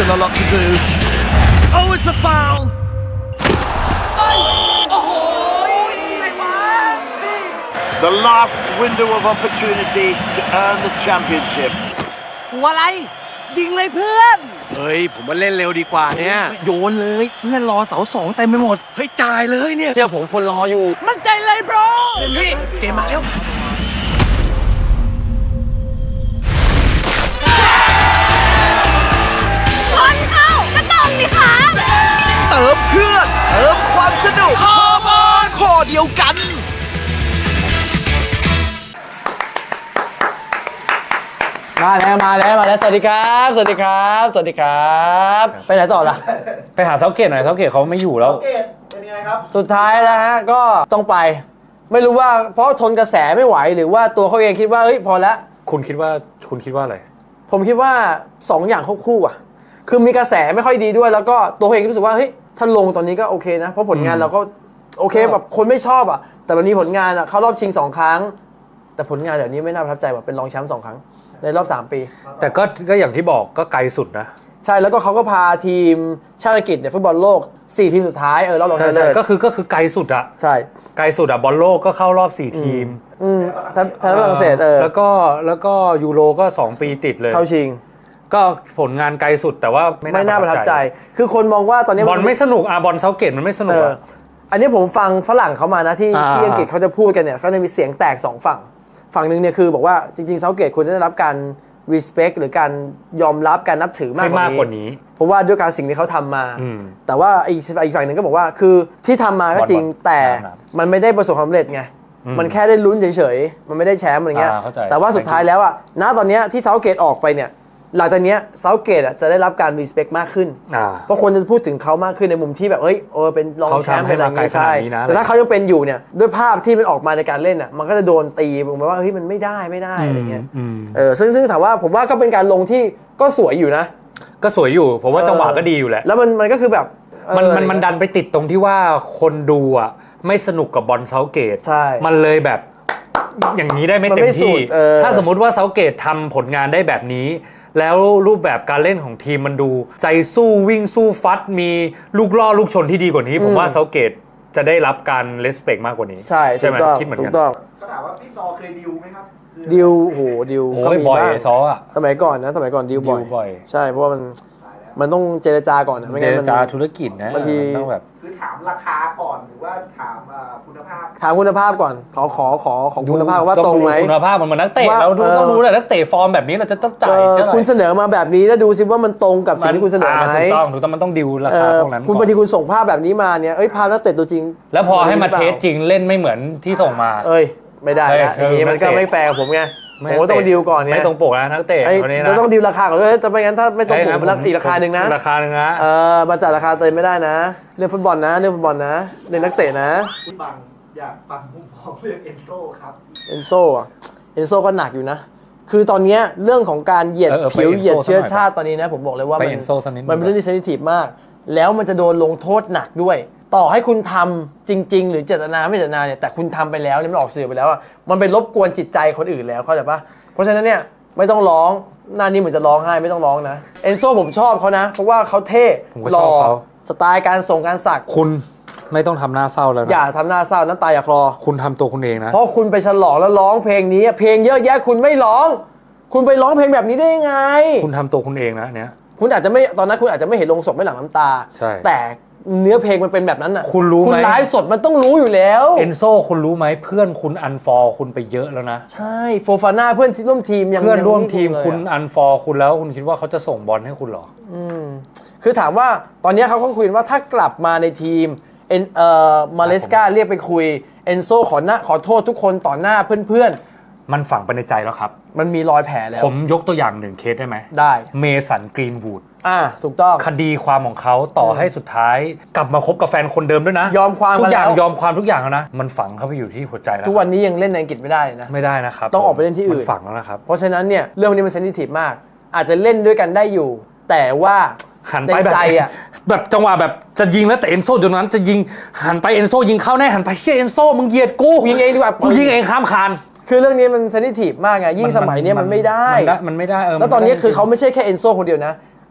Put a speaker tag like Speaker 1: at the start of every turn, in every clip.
Speaker 1: still a lot to do. Oh, it's a foul. The last window of opportunity to earn the championship.
Speaker 2: หัวอะไรยิงเลยเพื่อน
Speaker 3: เฮ้ยผมมาเล่นเร็วดีกว่าเนี่ย
Speaker 2: โยนเลยเพื่อนรอเสาสองเต็มไปหมด
Speaker 3: เฮ้ยจ่ายเลยเนี่ย
Speaker 2: เดี๋ยวผมคนรออยู่มั่นใจเลยบรอ
Speaker 3: พี่เกมมาแล้ว
Speaker 4: คนเข้าก็ต้องดิคะ
Speaker 5: เติมเพื่อนเติมความสนุกฮอร์โมนข้อเดียวกัน
Speaker 2: มาแล้วสวัสดีครับสวัสดีครับไปไหนต่อล่ะ
Speaker 6: ไปหาเซาเกตหน่อยเซาเกตเขาไม่อยู่แล้ว
Speaker 2: สุดท้ายแล้วฮะก็ต้องไปไม่รู้ว่าเพราะทนกระแสไม่ไหวหรือว่าตัวเขาเองคิดว่าเฮ้ยพอแล้ว
Speaker 6: คุณคิดว่าอะไร
Speaker 2: ผมคิดว่า2 อย่างควบคู่อ่ะคือมีกระแสไม่ค่อยดีด้วยแล้วก็ตัวเขาเองรู้สึกว่าเฮ้ยถ้าลงตอนนี้ก็โอเคนะเพราะผลงานเราก็โอเคแบบคนไม่ชอบอ่ะแต่วันนี้ผลงานอ่ะเข้ารอบชิง2 ครั้งแต่ผลงานเดี๋ยวนี้ไม่น่าประทับใจว่าเป็นรองแชมป์2 ครั้งในรอบ3 ปี
Speaker 6: แต่ก็อย่างที่บอกก็ไกลสุดนะ
Speaker 2: ใช่แล้วก็เขาก็พาทีมชาติอังกฤษเนี่ยฟุตบอลโลก4 ทีมสุดท้ายรอบรองชนะเลิศ
Speaker 6: ก็คือไกลสุดอะ
Speaker 2: ใช่
Speaker 6: ไกลสุดอะบอลโลกก็เข้า รอบ4 ทีม
Speaker 2: แพ้ฝรั่งเศส
Speaker 6: แล้วก็ยูโรก็2 ปีติดเลย
Speaker 2: เข้าชิง
Speaker 6: ก็ผลงานไกลสุดแต่ว่า
Speaker 2: ไม่น่าประทับใจคือคนมองว่าตอนนี้
Speaker 6: บอลไม่สนุกบอลเซาเกตมันไม่สนุก
Speaker 2: อันนี้ผมฟังฝรั่งเขามานะที่อังกฤษเขาจะพูดกันเนี่ยเขาจะมีเสียงแตก2 ฝั่งหนึ่งเนี่ยคือบอกว่าจริงๆเซาเกตควรจะได้รับการ respect หรือการยอมรับการนับถือมากกว่านี้เพราะว่าด้วยการสิ่งที่เขาทำมาแต่ว่าอีกฝั่งหนึ่งก็บอกว่าคือที่ทำมาก็จริงแต่มันไม่ได้ประสบความสำเร็จไงมันแค่ได้ลุ้นเฉยๆมันไม่ได้แชมป์อะไรเงี้ยแต่ว่าสุดท้ายแล้วอ่ะณตอนนี้ที่เซาเกตออกไปเนี่ยหลังจากนี้เซาเกตจะได้รับการ respect มากขึ้นเพราะคนจะพูดถึงเขามากขึ้นในมุมที่แบบเป็นรองแชมป์เป็นอะไรใช่แต่ถ้าเขายังเป็นอยู่เนี่ยด้วยภาพที่มันออกมาในการเล่นอ่ะมันก็จะโดนตีผมว่าเฮ้ยมันไม่ได้อะไรเงี้ยซึ่งถามว่าผมว่าก็เป็นการลงที่ก็สวยอยู่นะ
Speaker 6: ก็สวยอยู่ผมว่าจังหวะก็ดีอยู่แหละ
Speaker 2: แล้วมันก็คือแบบ
Speaker 6: มันดันไปติดตรงที่ว่าคนดูอ่ะไม่สนุกกับบอลเซาเกตมันเลยแบบอย่างนี้ได้ไม่เต็มที่ถ้าสมมุติว่าเซาเกตทำผลงานได้แบบนี้แล้วรูปแบบการเล่นของทีมมันดูใจสู้วิ่งสู้ฟัดมีลูกล่อลูกชนที่ดีกว่านี้ผมว่าเซาเกตจะได้รับการเลสเปกมากกว่านี้
Speaker 2: ใช่ไหม
Speaker 6: คิดเหมือนกัน
Speaker 7: ก็ถามว่าพี่ซอเคยดิวไหมครับ
Speaker 2: ดิว
Speaker 6: ก็มีบ่อยซออ่ะ
Speaker 2: สมัยก่อนดิวบ่อยใช่เพราะว่ามันต้องเจรจาก่อนนะไม่งั้น
Speaker 6: เจรจาธุรกิจนะ
Speaker 2: บางที
Speaker 6: ต้องแบบ
Speaker 7: คือถามราคาก่อนหรือว่าถามคุณภาพ
Speaker 2: ก่อนขอของคุณภาพว่าตรงไหม
Speaker 6: คุณภาพมันเหมือนนักเตะเราต้องรู้เลยนักเตะฟอร์มแบบนี้เราจะต้องจ่าย
Speaker 2: คุณเสนอมาแบบนี้แล้วดูซิว่ามันตรงกับสิ่งที่คุณเสนอไหม
Speaker 6: ถูกต้องมันต้องดิวราคาพวกนั้น
Speaker 2: คุณบางทีคุณส่งภาพแบบนี้มาเนี่ยภาพนักเตะตัวจริง
Speaker 6: แล้วพอให้มาเทสจริงเล่นไม่เหมือนที่ส่งมา
Speaker 2: ไม่ได้นะอย่างนี้มันก็ไม่แฟร์ผมไงโอ้ต้องดิวก่อนเนี่ย
Speaker 6: ไม่ตรงปกนะนักเตะคนนี้นะ
Speaker 2: เราต้องดิวราคาก่อนด้วยแต่ไม่งั้นถ้าไม่ตรงปกอีกราคาหนึ่งนะมาจัดราคาเต็มไม่ได้นะเรื่องฟุตบอลนะเรื่องนักเตะนะ
Speaker 7: คุณบังอยากฟังมุมมองเรื่องเอนโซครับ
Speaker 2: เอนโซก็หนักอยู่นะคือตอนนี้เรื่องของการเหยียดผิวเหยียดเชื้อชาติตอนนี้นะผมบอกเลยว่ามันเป็นเรื่องที่เซนซิทีฟมากแล้วมันจะโดนลงโทษหนักด้วยต่อให้คุณทำจริงๆหรือเจตนาไม่เจตนาเนี่ยแต่คุณทำไปแล้วเนี่ยมันออกสื่อไปแล้วมันไปรบกวนจิตใจคนอื่นแล้วเข้าใจปะเพราะฉะนั้นเนี่ยไม่ต้องร้องหน้านี้เหมือนจะร้องไห้ไม่ต้องร้องนะเอนโซผมชอบเขานะเพราะว่าเขาเท่หล่อสไตล์การส่งการสัก
Speaker 6: คุณไม่ต้องทำหน้าเศร้าแล้วนะ
Speaker 2: อย่าทำหน้าเศร้าน้ำตาอย่าคลอ
Speaker 6: คุณทำตัวคุณเองนะ
Speaker 2: เพราะคุณไปฉลองแล้วร้องเพลงนี้เพลงเยอะแยะคุณไม่ร้องคุณไปร้องเพลงแบบนี้ได้ยังไง
Speaker 6: คุณทำตัวคุณเองนะเนี่ย
Speaker 2: คุณอาจจะไม่ตอนนั้นคุณอาจจะไม่เห็นลงศพไม่หลั่งน้ำตาแต่เนื้อเพลงมันเป็นแบบนั้นน่ะ
Speaker 6: คุณรู้ไหม
Speaker 2: คุณไลฟ์สดมันต้องรู้อยู่แล้ว
Speaker 6: เอนโซคุณรู้ไหมเพื่อนคุณอันฟอร์คุณไปเยอะแล้วนะ
Speaker 2: ใช่โฟฟาน่าเพื่อนที่ร่วมทีม
Speaker 6: เพื่อนร่วมทีมคุณอันฟอร์คุณแล้วคุณคิดว่าเขาจะส่งบอลให้คุณหรอ
Speaker 2: คือถามว่าตอนนี้เขาก็คุยว่าถ้ากลับมาในทีมมาเลสกาเรียกไปคุยเอนโซขอโทษทุกคนต่อหน้าเพื่อน
Speaker 6: มันฝังไปในใจแล้วครับ
Speaker 2: มันมีรอยแผลแล้ว
Speaker 6: ผมยกตัวอย่าง1 เคสได้ไหม
Speaker 2: ได้
Speaker 6: เมสันกรีนวูด
Speaker 2: ถูกต้อง
Speaker 6: คดีความของเขาต่อให้สุดท้ายกลับมาคบกับแฟนคนเดิมด้วยนะ
Speaker 2: ยอมความ
Speaker 6: ทุกอย่างยอมความทุกอย่างแล้วนะมันฝังเข้าไปอยู่ที่หัวใจแล้ว
Speaker 2: ทุกวันนี้ยังเล่นในอังกฤษไม่ได้นะ
Speaker 6: ไม่ได้นะครับ
Speaker 2: ต้องออกไปเล่นที่อื่น
Speaker 6: มันฝังแล้วนะครับ
Speaker 2: เพราะฉะนั้นเนี่ยเรื่องนี้มันเซนซิทีฟมากอาจจะเล่นด้วยกันได้อยู่แต่ว่า
Speaker 6: หันไปแบบจังหวะแบบจะยิงแล้วแต่เอนโซจนนั้นจะยิงหันไปเอนโซยิงเข้าแน่หันไปเชี่ยเอนโซมึงเหยียดกู
Speaker 2: ยิงเองดีกว่า
Speaker 6: กูยิงเองข้ามคาน
Speaker 2: คือเรื่องนี้มันเซนซิทีฟมากไงยิ่งสมัยนี้มันไม่ได้
Speaker 6: มันไม่ได้
Speaker 2: แล้วตอนนี้คือเขาไม่ใช่แค่เอนโซคนเดียวนะ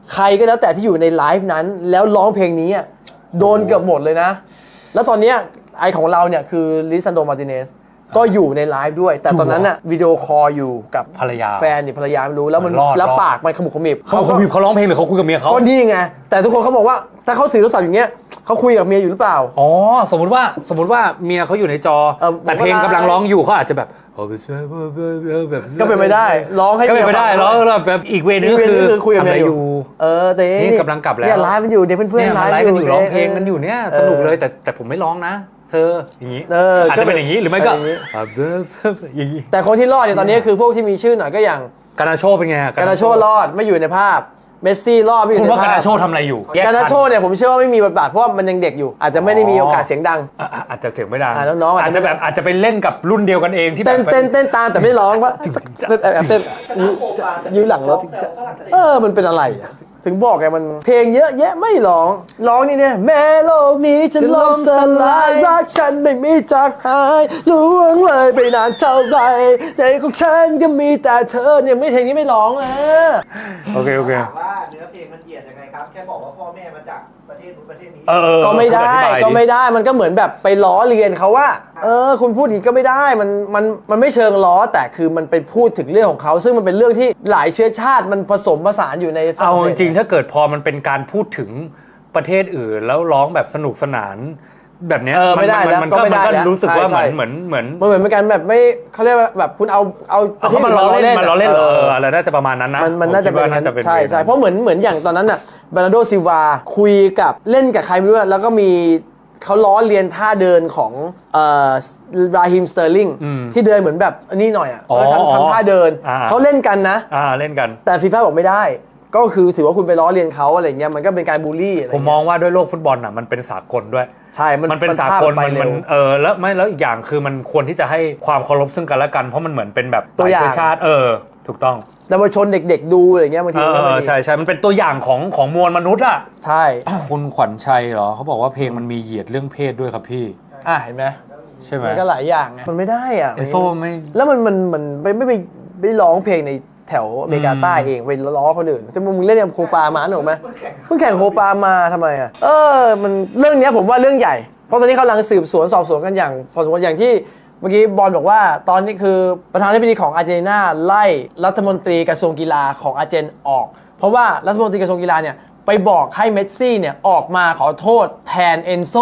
Speaker 2: ใครก็แล้วแต่ที่อยู่ในไลฟ์นั้นแล้วร้องเพลงนี้อะโดนเกือบหมดเลยนะแล้วตอนเนี้ยไอของเราเนี่ยคือลิซันโด มาร์ติเนสก็อยู่ในไลฟ์ด้วย แต่ตอนนั้นอะวิดีโอคอลอยู่กับ
Speaker 6: ภรรยา
Speaker 2: แฟนนี่ภรรยาไม่รู้แล้วมัน
Speaker 6: รอด
Speaker 2: แล้วปากมันขมุกขมิบ
Speaker 6: เขาร้องเพลงหรือเขาคุยกับเมียเขา
Speaker 2: ก็นี่ไงแต่ทุกคนเขาบอกว่าถ้าเขาถือโทรศัพท์อย่างเงี้ยเขาคุยกับเมียอยู่หรือเปล่า
Speaker 6: อ๋อสมมุติว่าเมียเขาอยู่ในจอ แต่เพลงกำลังร้องอยู่เขาอาจจะแบบแบบ
Speaker 2: ก็เป็นไม่ได้ร้องให้
Speaker 6: ก็เป็นไม่ได้ร้องแบบอีกเวนึงก็คือ
Speaker 2: คุยกับเมีย
Speaker 6: ทำอะไร
Speaker 2: อยู่แต่
Speaker 6: นี่กำลังกลับแล้ว
Speaker 2: เนี่ยไลฟ์มันอยู่เดี๋ยวเพื่อน
Speaker 6: เนี่ย
Speaker 2: ๆไล
Speaker 6: มา
Speaker 2: ฟ์
Speaker 6: ไล
Speaker 2: อ
Speaker 6: ฟ์กัน
Speaker 2: ยู่
Speaker 6: อยู่ร้องเพลงกันอยู่เนี่ยสนุกเลยแต่ผมไม่ร้องนะ เธออย่างนี้ อาจจะเป็นอย่างนี้หรือไม่ก็อย่างนี้
Speaker 2: แต่คนที่รอดเนี่ยตอนนี้คือพวกที่มีชื่อหน่อยก็อย่าง
Speaker 6: การนาโชเป็นไง
Speaker 2: การนาโชรอดไม่อยู่ในภาพเมสซี่รอดไม่อ
Speaker 6: คุ
Speaker 2: ยู่
Speaker 6: ณ
Speaker 2: ใน
Speaker 6: ว่า
Speaker 2: ภา
Speaker 6: การ
Speaker 2: พ
Speaker 6: นาโชทำอะไรอยู่
Speaker 2: การนาโชเนี่ยผมเชื่อว่าไม่มีบทบาทเพราะว่ามันยังเด็กอยู่ อาจจะไม่ได้มีโอกาสเสียงดัง
Speaker 6: อาจจะถึงไม่ได้
Speaker 2: น้องๆอา
Speaker 6: อา
Speaker 2: จ
Speaker 6: จ
Speaker 2: จะ
Speaker 6: จะแบบอาจจะไปเล่นกับรุ่นเดียวกันเองที่แบ
Speaker 2: เต้น
Speaker 6: บ
Speaker 2: เต้นตามแต่ไม่ร้องว่าแอบเต้นยืนหลังรถมันเป็นอะไรอะถึงบอกไงมันเพลงเยอะแยะไม่ร้องนี่เนี่ยแม้โลกนี้จะล่มสลายรักฉันไม่มีจากหายล่วงเลยไปนานเท่าไรใจของฉันก็มีแต่เธอเนี่ยไม่เพลงนี้ไม่ร้องอ่ะ
Speaker 6: โอเค
Speaker 7: ถามว่าเนื้อเพลงมันเหยียดยังไงครับ แค่บอกว่าพ่อแม่มาจากประเทศนู้นประเทศนี้
Speaker 2: ก็ไม่ได้มันก็เหมือนแบบไปล้อเลียนเขาว่าคุณพูดอย่างนี้ก็ไม่ได้มันไม่เชิงล้อแต่คือมันไปพูดถึงเรื่องของเขาซึ่งมันเป็นเรื่องที่หลายเชื้อชาติมันผสมผสานอยู่ในฝรั่
Speaker 6: เอา
Speaker 2: งเศ
Speaker 6: จ
Speaker 2: ส
Speaker 6: ริงๆถ้าเกิดพอมันเป็นการพูดถึงประเทศอื่นแล้วร้องแบบสนุกสนานแบบเนี้ย
Speaker 2: ไม่ได้แล้ว
Speaker 6: มัน
Speaker 2: ก็
Speaker 6: ก็
Speaker 2: ไม่ได้แล้ว
Speaker 6: รู้สึกว่า
Speaker 2: ใช่
Speaker 6: เหมือน
Speaker 2: มันเหมือนเป็นการแบบไม่เขาเรียกว่าแบบคุณเอาประเทศ
Speaker 6: เขามาล้อเล่นอะไรน่าจะประมาณนั้นนะ
Speaker 2: มันน่าจะเป็น
Speaker 6: น่าจะเป็น
Speaker 2: ใช่เพราะเหมือนอย่างตอนนั้นน่ะบาร์นาโดซิลวาคุยกับเล่นกับใครไม่รู้แล้วก็มีเขาล้อเลียนท่าเดินของราฮิมสเตอร์ลิงที่เดินเหมือนแบบนี่หน่อยอ่ะทำท่าเดินเขาเล่นกันนะ
Speaker 6: เล่นกัน
Speaker 2: แต่ฟีฟ่าบอกไม่ได้ก็คือถือว่าคุณไปล้อเลียนเขาอะไรเงี้ยมันก็เป็นการบูลลี่อะไร
Speaker 6: ผมมองว่าด้วยโลกฟุตบอลน่ะมันเป็นสากลด้วย
Speaker 2: ใช่มัน
Speaker 6: เป็นสากล
Speaker 2: มัน
Speaker 6: มันแล้วอีกอย่างคือมันควรที่จะให้ความเคารพซึ่งกันและกันเพราะมันเหมือนเป็นแบบตัวอย่างชาติถูกต้อง
Speaker 2: แต่มาชนเด็กๆดูอะไรเงี้ยบางที
Speaker 6: ใช่มันเป็นตัวอย่างของมวลมนุษย์อ่ะ
Speaker 2: ใช่
Speaker 6: คุณขวัญชัยเหรอเขาบอกว่าเพลงมันมีเหยียดเรื่องเพศด้วยครับพี่
Speaker 2: เห็นไหม
Speaker 6: ใช่ไหม
Speaker 2: มันก็หลายอย่างไงมันไม่ได้อ่ะ
Speaker 6: เอโซไม่
Speaker 2: แล้วมันไม่ร้องเพลงในแถวอเมริกาใต้เองไปล้อคนอื่นแต่มึงเล่นกับโคปามาหนูไหมเพิ่งแข่งโคปามาทำไมอ่ะมันเรื่องนี้ผมว่าเรื่องใหญ่เพราะตอนนี้เขากำลังสืบสวนสอบสวนกันอย่างพอสมควรอย่างที่เมื่อกี้บอลบอกว่าตอนนี้คือประธานาธิบดีของอาร์เจนตินาไล่รัฐมนตรีกระทรวงกีฬาของอาร์เจนออกเพราะว่ารัฐมนตรีกระทรวงกีฬาเนี่ยไปบอกให้เมสซี่เนี่ยออกมาขอโทษแทนเอนโซ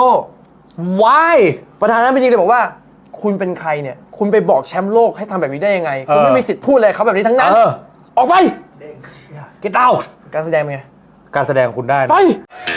Speaker 6: Why
Speaker 2: ประธานาธิบดีเลยบอกว่าคุณเป็นใครเนี่ยคุณไปบอกแชมป์โลกให้ทำแบบนี้ได้ยังไงคุณไม่มีสิทธิ์พูดอะไรเขาแบบนี้ทั้งนั้นออกไป
Speaker 6: Get out
Speaker 2: การแสดงเป็นไง
Speaker 6: การแสดงคุณได้นะ
Speaker 2: ไป